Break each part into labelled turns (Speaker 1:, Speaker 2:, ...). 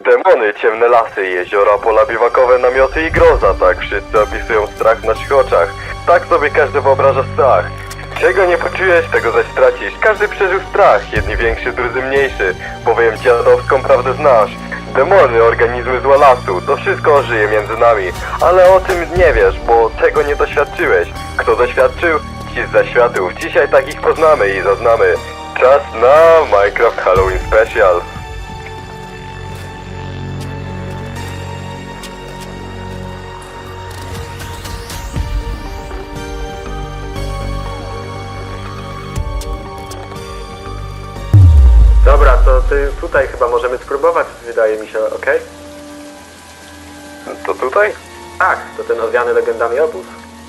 Speaker 1: Demony, ciemne lasy, jeziora, pola biwakowe, namioty i groza, tak wszyscy opisują strach w naszych oczach. Tak sobie każdy wyobraża strach. Czego nie poczujesz, tego zaś stracisz. Każdy przeżył strach, jedni większy, drudzy mniejszy, bowiem dziadowską prawdę znasz. Demony, organizmy zła lasu, to wszystko żyje między nami. Ale o tym nie wiesz, bo tego nie doświadczyłeś. Kto doświadczył? Ci z zaświatów. Dzisiaj takich poznamy i zaznamy. Czas na Minecraft Halloween Special.
Speaker 2: Dobra, to tutaj chyba możemy spróbować, wydaje mi się, okej?
Speaker 1: To tutaj?
Speaker 2: Tak, to ten owiany legendami obóz.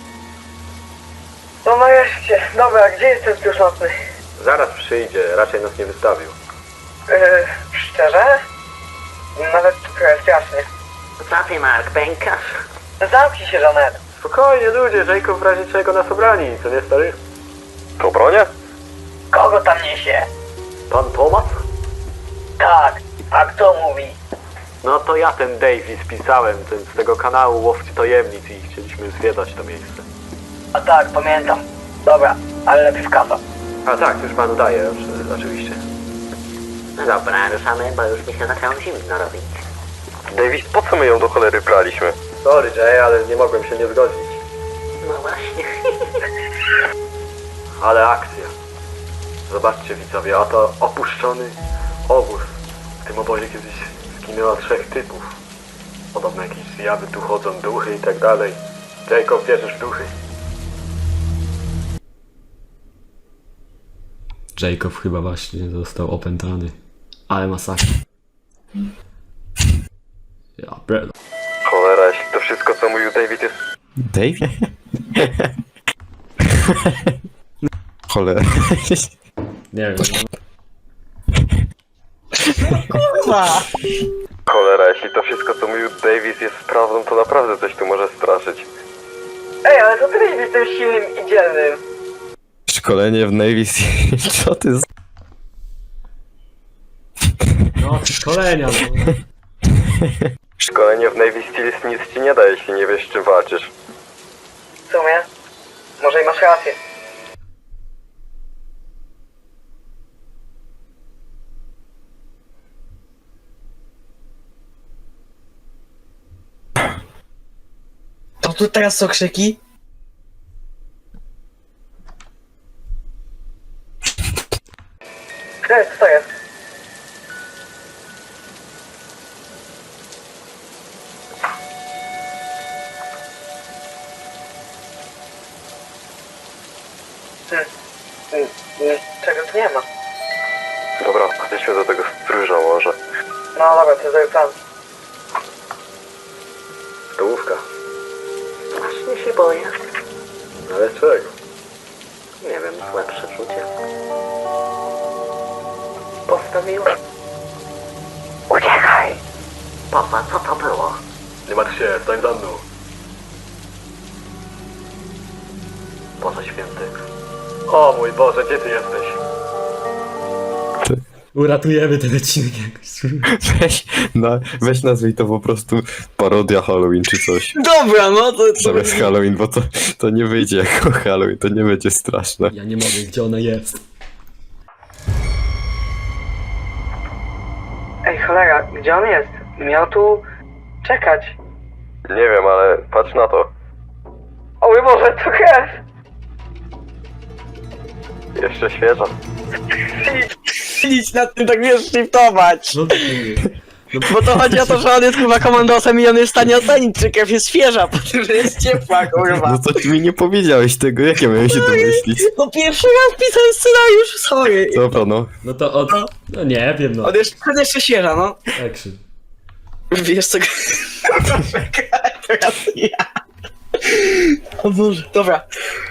Speaker 3: No nareszcie. Dobra, gdzie jest ten spióż nocny?
Speaker 2: Zaraz przyjdzie, raczej nas nie wystawił.
Speaker 3: Szczerze? Nawet trochę strasznie.
Speaker 4: Co ty, Mark, pękasz?
Speaker 3: Zamknij się, Janet.
Speaker 2: Spokojnie ludzie, Jacob w razie czego nas obrani, co nie stary?
Speaker 1: To bronia?
Speaker 3: Kogo tam niesie?
Speaker 2: Pan Tomas?
Speaker 3: Tak, a kto mówi?
Speaker 2: No to ja ten Davis pisałem, ten z tego kanału Łowcy Tajemnic i chcieliśmy zwiedzać to miejsce.
Speaker 3: A tak, pamiętam. Dobra, ale lepiej w kasa.
Speaker 2: A tak, już panu daję, oczywiście.
Speaker 4: No dobra, ruszamy, bo już mi się zaczęło zimno robić.
Speaker 1: Davis, po co my ją do cholery braliśmy?
Speaker 2: Sorry Jay, ale nie mogłem się nie zgodzić.
Speaker 4: No właśnie.
Speaker 2: Ale akcja. Zobaczcie widzowie, oto opuszczony obóz. W tym obozie kiedyś zginęło 3 typów. Podobno jakieś zjawy tu chodzą, duchy i tak dalej. Jacob, wierzysz w duchy?
Speaker 5: Jacob chyba właśnie został opętany. Ale masakra. Ja pierdolę.
Speaker 1: Cholera, jeśli to wszystko co mówił David jest...
Speaker 6: Dave? Cholera.
Speaker 5: Nie wiem.
Speaker 1: Cholera, jeśli to wszystko co mówił Davis jest prawdą, to naprawdę coś tu może straszyć.
Speaker 3: Ej, ale to ty jesteś tym silnym i dzielnym.
Speaker 6: Szkolenie w Navy Seal. Co ty z...
Speaker 5: No, szkolenia, no.
Speaker 1: Szkolenie w Navy Seals nic ci nie da, jeśli nie wiesz z czym walczysz.
Speaker 3: W sumie? Może i masz rację.
Speaker 7: To tu teraz są krzyki?
Speaker 3: Co to jest? Czego tu nie ma?
Speaker 1: Dobra, chodźmy do tego stróża może.
Speaker 3: No dobra, to jest plan.
Speaker 2: Stołówka.
Speaker 4: Właśnie się boję.
Speaker 2: Ale czego?
Speaker 4: Nie wiem, złe przeczucie. Postawiłem. Uciekaj! Papa, co to było?
Speaker 2: Nie martw się, stań za mną. Boże święty. O mój Boże, gdzie ty jesteś?
Speaker 5: Uratujemy ten odcinek jakoś.
Speaker 6: Weź nazwij to po prostu parodia Halloween czy coś.
Speaker 7: Dobra, no to...
Speaker 6: Zamiast Halloween, bo to nie wyjdzie jako Halloween, to nie będzie straszne.
Speaker 5: Ja nie mogę, gdzie ona jest?
Speaker 3: Ej, cholera, gdzie on jest? Miał tu czekać.
Speaker 1: Nie wiem, ale patrz na to.
Speaker 3: O mój Boże, to krew!
Speaker 1: Jeszcze świeża.
Speaker 7: Nic nad tym tak wiesz shiftować.
Speaker 5: No to nie.
Speaker 7: Bo to chodzi o to, że on jest chyba komandosem i on jest w stanie ocenić, czy krew jest świeża, po tym, że jest ciepła, kurwa.
Speaker 6: No to ty mi nie powiedziałeś tego, jak ja miałem się domyślić.
Speaker 7: No pierwszy raz pisałem scenariusz, sorry.
Speaker 6: Dobra, no.
Speaker 5: No to od... No nie wiem, no.
Speaker 7: On jeszcze świeża, no.
Speaker 5: Action.
Speaker 7: Wiesz co... Teraz ja. O Boże. Dobra.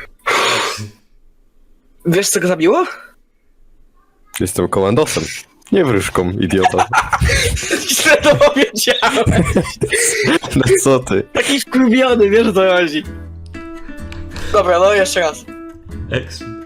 Speaker 7: Wiesz co go zabiło?
Speaker 6: Jestem komandosem. Nie wróżką, idiota.
Speaker 7: Źle to powiedziałem.
Speaker 6: No co ty?
Speaker 7: Taki wkurwiony, wiesz o co chodzi. Dobra, no jeszcze raz.
Speaker 5: Action.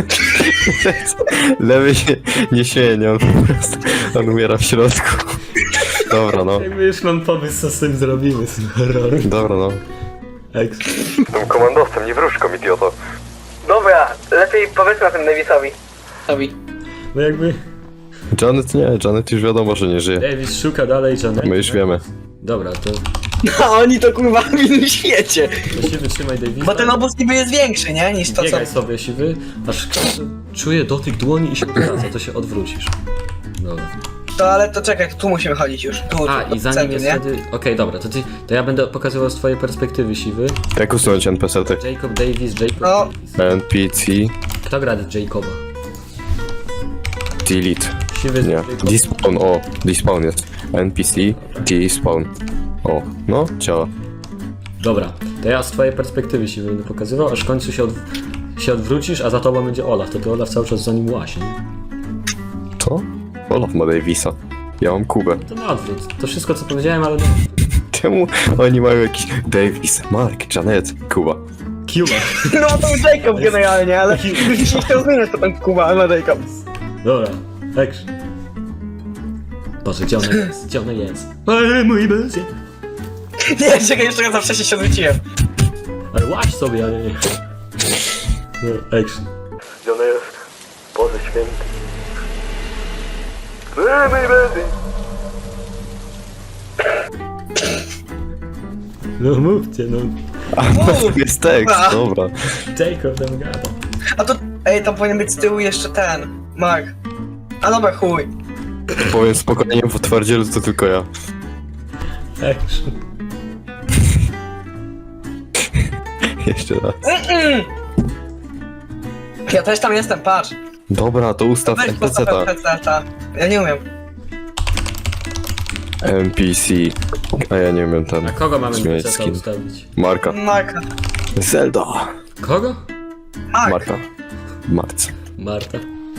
Speaker 6: Lewy się nie śmieje, on po prostu, on umiera w środku. Dobra, no.
Speaker 5: Jakby już mam pomysł, co z tym zrobimy, z tym horrorem.
Speaker 6: Dobra, no.
Speaker 5: Eks.
Speaker 1: Tym komandosem, nie wróżką, idioto.
Speaker 3: Dobra, lepiej powiedzmy o tym Davisowi.
Speaker 7: Tobi.
Speaker 5: No jakby
Speaker 6: Janet nie, Janet już wiadomo, że nie żyje.
Speaker 5: Davis szuka dalej Janet.
Speaker 6: My już wiemy.
Speaker 5: Dobra, to
Speaker 7: No oni to kurwa w innym świecie.
Speaker 5: siwy trzymaj Davisa.
Speaker 7: Bo ten obóz niby jest większy, nie? Niż to co...
Speaker 5: Biegaj sobie siwy, aż czuję dotyk dłoni i się odwraca, to się odwrócisz. Dobra.
Speaker 7: To ale to czekaj, to tu musimy chodzić już. Tu,
Speaker 5: A,
Speaker 7: tu,
Speaker 5: i
Speaker 7: w
Speaker 5: zanim
Speaker 7: centrum,
Speaker 5: jest
Speaker 7: nie?
Speaker 5: wtedy... Okej, dobra, to ja będę pokazywał z twojej perspektywy siwy.
Speaker 6: Jak usunąć NPC-ty?
Speaker 5: Jacob Davis, Jacob
Speaker 7: No.
Speaker 5: Davis.
Speaker 6: NPC,
Speaker 5: Kto gra Jacoba?
Speaker 6: delete.
Speaker 5: Siwy z
Speaker 6: Nie,
Speaker 5: Jacob.
Speaker 6: despawn, o, despawn jest. NPC, despawn. O, no, działa.
Speaker 5: Dobra, to ja z twojej perspektywy siwy będę pokazywał, aż w końcu się odwrócisz, a za tobą będzie Olaf, to ty Olaf cały czas za nim łazi.
Speaker 6: To? Olaf ma Davisa. Ja mam Kubę.
Speaker 5: To na odwrót, to wszystko co powiedziałem, ale no...
Speaker 6: Czemu oni mają jakiś Davis, Mark, Janet, Kuba?
Speaker 5: Cuba.
Speaker 7: No to Jacob generalnie, ale już nie chciał zmieniać to ten Kuba na Jacob.
Speaker 5: Dobra, action. Boże, gdzie ona jest? Gdzie ona jest? Ale mój będzie.
Speaker 7: Nie, czekaj, jeszcze raz za wcześnie się odwróciłem.
Speaker 5: Ale łaź sobie, ale nie. No, action.
Speaker 2: Gdzie ona jest? Boże święty. Mój będzie.
Speaker 5: No mówcie, no.
Speaker 6: To jest tekst,
Speaker 7: A.
Speaker 6: dobra.
Speaker 5: Jacob tam gada.
Speaker 7: A to, ej, tam powinien być z tyłu jeszcze ten, Mark. A dobra, chuj.
Speaker 6: Powiem spokojnie, w twardzielu to tylko ja.
Speaker 5: Action.
Speaker 6: Jeszcze raz.
Speaker 7: Ja też tam jestem, patrz.
Speaker 6: Dobra, to ustaw
Speaker 7: Weź
Speaker 6: NPC-ta.
Speaker 7: postaw NPC-ta. Ja nie umiem.
Speaker 6: NPC. A ja nie umiem ten.
Speaker 5: A kogo mamy
Speaker 6: zmieniać
Speaker 5: NPC
Speaker 6: skin.
Speaker 5: ustawić?
Speaker 6: Marka.
Speaker 7: Marka.
Speaker 6: Zelda.
Speaker 5: Kogo?
Speaker 7: Mark.
Speaker 6: Marka. Marc.
Speaker 5: Marta.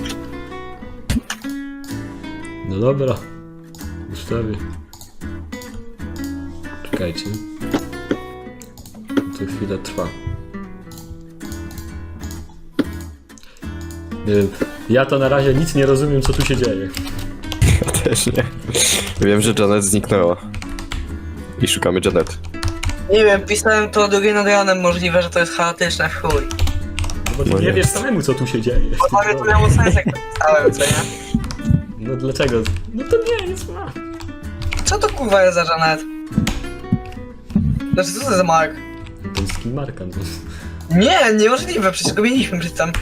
Speaker 5: No dobra. Ustawię. Czekajcie. To chwilę trwa. Ja to na razie nic nie rozumiem, co tu się dzieje.
Speaker 6: Ja też nie. Wiem, że Janet zniknęła. I szukamy Janet.
Speaker 7: Nie wiem, pisałem to drugie nad ranem, możliwe, że to jest chaotyczne w chuj.
Speaker 5: No bo ty
Speaker 6: No
Speaker 5: nie
Speaker 6: nie.
Speaker 5: wiesz samemu, co tu się dzieje.
Speaker 7: Ale to miało sens, jak to pisałem, co nie?
Speaker 5: No dlaczego? No to nie, nic ma.
Speaker 7: Co to kurwa jest za Janet? Znaczy, co to za Mark?
Speaker 5: To jest skin Marka. No.
Speaker 7: Nie, niemożliwe, przecież go mieliśmy przecież tam.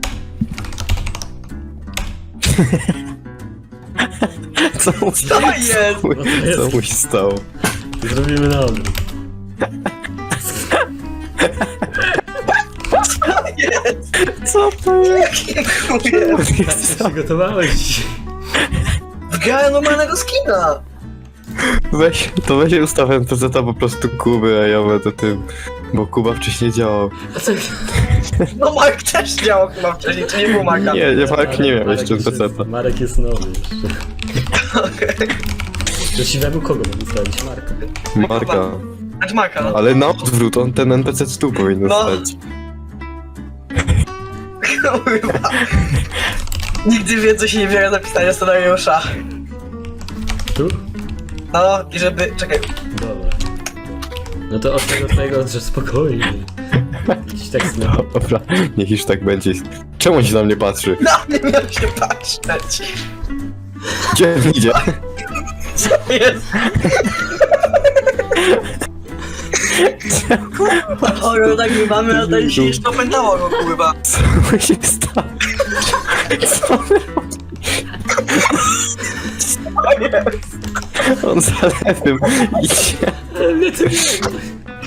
Speaker 6: Co mu
Speaker 7: Co jest?
Speaker 6: Co mu się stało?
Speaker 5: Zrobimy na odwrót.
Speaker 6: Co to jest?
Speaker 7: Jakie chuje?
Speaker 5: Tak się przygotowałeś dzisiaj.
Speaker 7: Wgrałem normalnego skina!
Speaker 6: Weź ustaw NPC-ta po prostu Kuby, a ja będę tym. Bo Kuba wcześniej działał.
Speaker 5: A co?
Speaker 7: No Mark też działał chyba wcześniej, czy nie był Marka?
Speaker 6: Nie, Mark nie miał
Speaker 5: Marek
Speaker 6: jeszcze
Speaker 5: jest-
Speaker 6: NPC-ta.
Speaker 5: Marek jest nowy jeszcze.
Speaker 7: Okej.
Speaker 5: Do siwemu kogo mamy stawić? Marka.
Speaker 6: Marka.
Speaker 7: Znaczy Marka, no.
Speaker 6: Ale na odwrót, on ten NPC tu powinien
Speaker 7: No.
Speaker 6: stać.
Speaker 7: Kurwa. Nigdy więcej się nie biorę za pisanie scenariusza.
Speaker 5: Tu?
Speaker 7: No i żeby... czekaj.
Speaker 5: Dobra. No to od tego twojego, że spokojnie. Jakiś tekst na...
Speaker 6: Dobra, niech już tak będzie. Czemu on się na mnie patrzy?
Speaker 7: Na mnie miał się patrzeć.
Speaker 6: Gdzie on idzie?
Speaker 7: Co jest? Horror nagrywamy, a ten się jeszcze opętało go, kurwa.
Speaker 6: Co mu się stało? Co?
Speaker 7: O nie.
Speaker 6: On za lewym idzie.
Speaker 5: Ale mnie to nie wiem.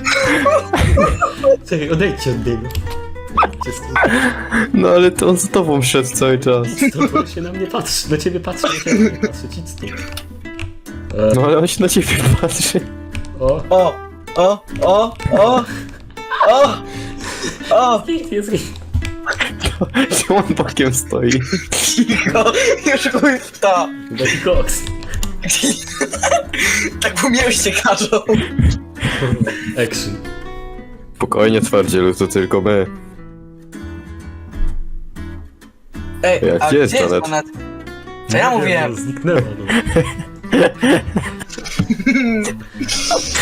Speaker 5: Czekaj, odejdźcie od niego. Odejdźcie z tym.
Speaker 6: No ale to on z tobą szedł cały czas.
Speaker 5: To bo się na mnie patrzy, na ciebie patrzy, na ciebie patrzy, ci stąd.
Speaker 6: No ale on się na ciebie patrzy.
Speaker 5: O,
Speaker 7: O, o, o, o, o, o,
Speaker 5: jest
Speaker 6: Czemu on bokiem stoi?
Speaker 7: cicho, już chuj w to.
Speaker 5: taki koks.
Speaker 7: Tak po mieście każą.
Speaker 5: Action.
Speaker 6: Spokojnie, twardzielu, to tylko my.
Speaker 7: Ej,
Speaker 6: Jak
Speaker 7: a
Speaker 6: gdzie jest
Speaker 7: gdzie jest
Speaker 6: Janet?
Speaker 7: Janet? Co ja mówiłem?
Speaker 5: Zniknęła, no.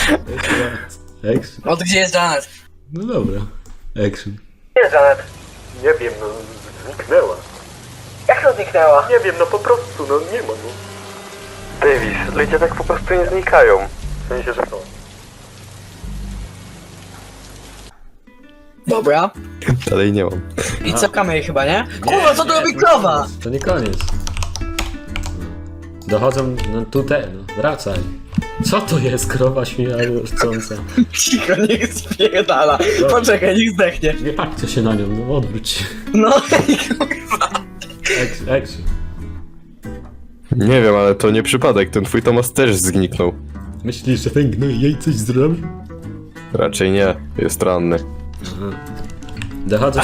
Speaker 5: Action.
Speaker 7: No to gdzie jest Janet?
Speaker 5: No dobra. Action.
Speaker 3: Gdzie jest Janet?
Speaker 2: Nie wiem, no zniknęła.
Speaker 3: Jak to zniknęła?
Speaker 2: Nie wiem, no po prostu, no nie ma, no.
Speaker 1: Davis, ludzie tak po prostu nie znikają.
Speaker 2: W sensie, że to.
Speaker 7: Dobra.
Speaker 6: Dalej nie mam.
Speaker 7: I cofkamy jej chyba, nie? Kurwa, co to robi krowa?
Speaker 5: To nie koniec. Dochodzą, no tutaj, no wracaj. Co to jest krowa śmiercąca?
Speaker 7: Cicho, niech spierdala. Poczekaj, niech zdechnie.
Speaker 5: Nie patrzcie się na nią, no odwróć się.
Speaker 7: No
Speaker 5: Action.
Speaker 6: Nie wiem, ale to nie przypadek, ten twój Tomas też zniknął.
Speaker 5: Myślisz, że ten gnój jej coś zrobił?
Speaker 6: Raczej nie, jest ranny.
Speaker 5: Dochodzą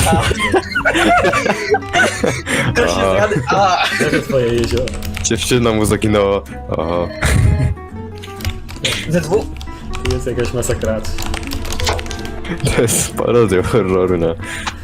Speaker 7: to się zgadza. A,
Speaker 5: do twoje jezioro.
Speaker 6: Dziewczyna mu zaginęła. Aha.
Speaker 7: ze dwóch.
Speaker 5: Tu jest jakaś masakracja.
Speaker 6: To jest parodia horroru na